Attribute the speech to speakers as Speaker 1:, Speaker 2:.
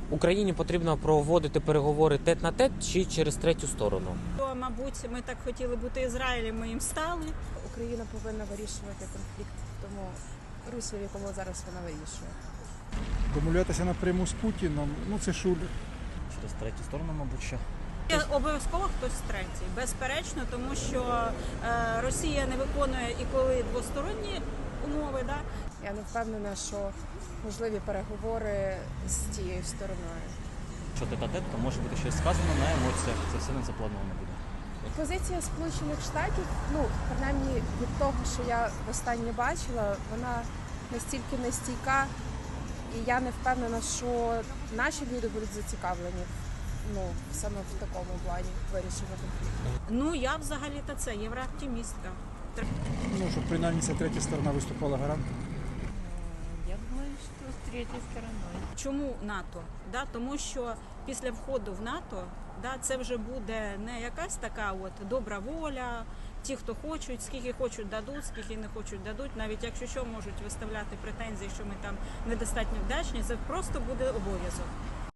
Speaker 1: Україні потрібно проводити переговори тет-на-тет чи через третю сторону?
Speaker 2: Мабуть, ми так хотіли бути Ізраїлем, ми їм стали.
Speaker 3: Україна повинна вирішувати конфлікт в тому руслі, в якому зараз вона вирішує.
Speaker 4: Домовлятися напряму з Путіном, це шулер.
Speaker 5: Через третю сторону, мабуть, що.
Speaker 2: Обов'язково хтось третій, безперечно, тому що Росія не виконує і коли двосторонні умови. Да?
Speaker 3: Я не впевнена, що можливі переговори з тією стороною.
Speaker 5: Якщо тет-а-тет, то може бути щось сказано на емоціях. Це все не заплановано буде.
Speaker 3: Позиція Сполучених Штатів, принаймні від того, що я востаннє бачила, вона настільки нестійка, і я не впевнена, що наші люди будуть зацікавлені саме в такому плані вирішення конфлікту.
Speaker 2: Я взагалі-то це єврооптимістка.
Speaker 4: Щоб принаймні ця третя сторона виступала гарантом.
Speaker 6: Я думаю, что с третьей стороной.
Speaker 2: Чому НАТО? Да? Тому що після входу в НАТО це вже буде не якась така добра воля, ті, хто хочуть, скільки хочуть дадуть, скільки не хочуть дадуть, навіть якщо що можуть виставляти претензії, що ми там недостатньо вдячні, це просто буде обов'язок.